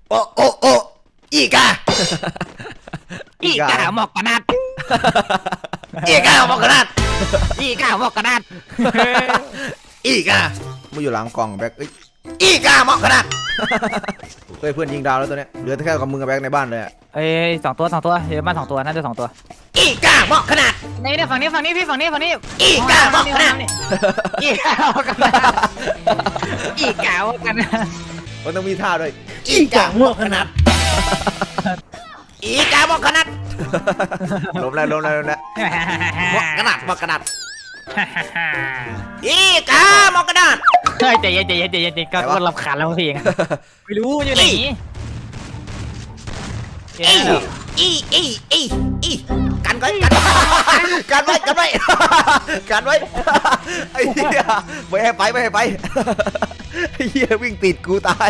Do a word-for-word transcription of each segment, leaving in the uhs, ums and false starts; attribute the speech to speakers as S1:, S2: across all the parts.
S1: โอ้โอ้โอ้อีกา
S2: อีกาหมอกกระนัด
S1: อีกาหมอกกระนัด
S2: อีกาหมอกกระนัด
S1: อีกามาอยู่หลังกล่องแบ็คอีกาหมอกกระนัดเฮ้ยเพื่อนยิงดาวแล้วตัวเนี้ยเหลือแค่กับมึงกับแบ็คในบ้านเลย
S2: เอ้ยสองตัวสองตัวเยอะมากสองตัวน่าจะสองตัว
S1: อีกาหมอกกระนัด
S2: นี่เนี่ยฝั่งนี้ฝั่งนี้พี่ฝั่งนี้ฝั่งนี้
S1: อีกาหมอกกระนัด
S2: อีกาหมอกกระนัดอีกาหมอกกระนัด
S1: มันต้องมีท่าด้วยอีกาหมอกกระนัดอีกาหมอกกระนัดล้มแล้วล้มแล้วล้มแล้วหมอกกระนัดหมอกกระนัดอีกาหมอกกระนัด
S2: เฮ้ยใจเย็นใจเย็นใจเย็นก็ก็รำคาญแล้วพี่เองไม่รู้อยู่ไหน
S1: อีอีอีอีอีกันไว้กันกันไว้กันไว้กันไว้ไอ้เหี้ยไม่ให้ไปไม่ให้ไปไอ้เหี้ยวิ่งติดกูตาย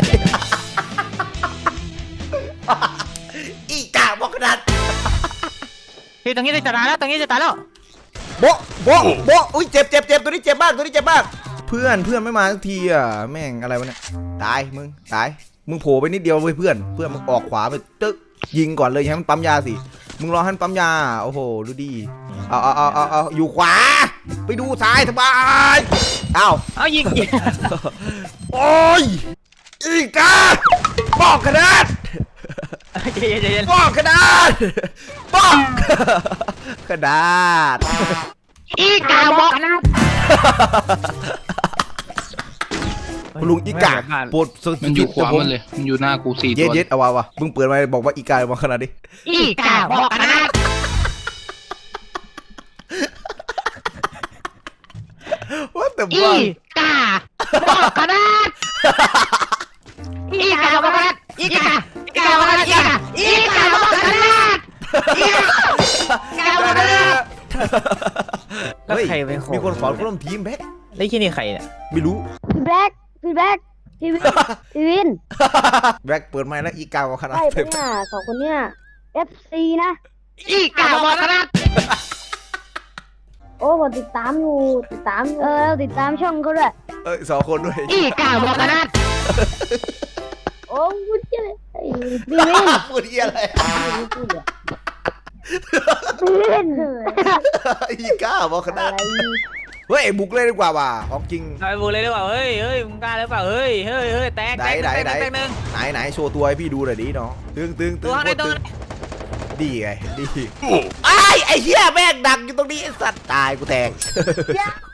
S1: อีกาบอกขนาด
S2: พี่ตรงนี้จะตายแล้วตรงนี้จะตายแล้ว
S1: โบโบโบอุ้ยเจ็บเจ็บเจ็บตัวนี้เจ็บมากตัวนี้เจ็บมากเพื่อนเพื่อนไม่มาสักทีอ่ะแม่งอะไรวะเนี่ยตายมึงตายมึงโผล่ไปนิดเดียวเว้ยเพื่อนเพื่อนมึงออกขวาไปตึ๊กยิงก่อนเลยให้มันปั๊มยาสิมึงรอให้มันปั๊มยาโอ้โหดูดีเอาเอาเอาเอาเอาอยู่ขวาไปดูซ้ายสบายเอา
S2: เอายิง
S1: โอ้ยอีกาบอกขนาด
S2: ใจเย็นใจเย็น
S1: บอกขนาดบอกขนาด
S2: อีกาบอกขนาด
S1: ลุงอีกาปวด
S3: มันอยู่ขวามันเลยมันอยู่หน้ากูสี่ตัว
S1: เย็ดเย็ดเอาวะวะมึงเปิดมาบอกว่าอีกาบอกขนาดดิ
S2: อีกาบอกขนาด
S1: ว่าแต่
S2: อีกาบอกขนาดอีกาบอกขนาดอีกาอีกาบอกขนาดอีกาอีกาบอกขนาดอีกาบอกขนาดแล้วใครเป็นคน
S1: มีคนขอร่วมทีมแบ็ค
S2: ได้ที่นี่ใครเนี่ย
S1: ไม่รู้
S4: พี่แบ็คพี่แบ็คพี่วินพี่วิน
S1: แบ็คเปิดไมค์แล้วอีกาบอกขนาด
S4: ใช่ปะเนี่ยสองคนเนี่ยเอฟซีนะ
S2: อีกาบอกขนาด
S4: โอ้ผมติดตามอยู่ติดตามเออติดตามช่องเขาด้วย
S1: เอ้ยสองคนด้วย
S2: อีกาบอกขนาด
S4: โอ้พูดเยอะพี่วิน
S1: พูดเยอะเลย
S4: พี่วิน
S1: อีกาบอกขนาดเฮ้ยบุกเลยดีกว่าว่ะของจริง
S2: ไอ้บุกเลยดีกว่าเฮ้ยเฮ้ยมึงกล้าหรือเปล่าเฮ้ยเฮ้ยเฮ้ยแตกแตกแตกแตกหนึ่ง
S1: ไหนไหนโชว์ตัวให้พี่ดูหน่อยดิน้องตึงตึงตึงตึงดีไงดีไอ้ไอ้เหี้ยแม่งดังอยู่ตรงนี้ไอ้สัตว์ตายกูแตก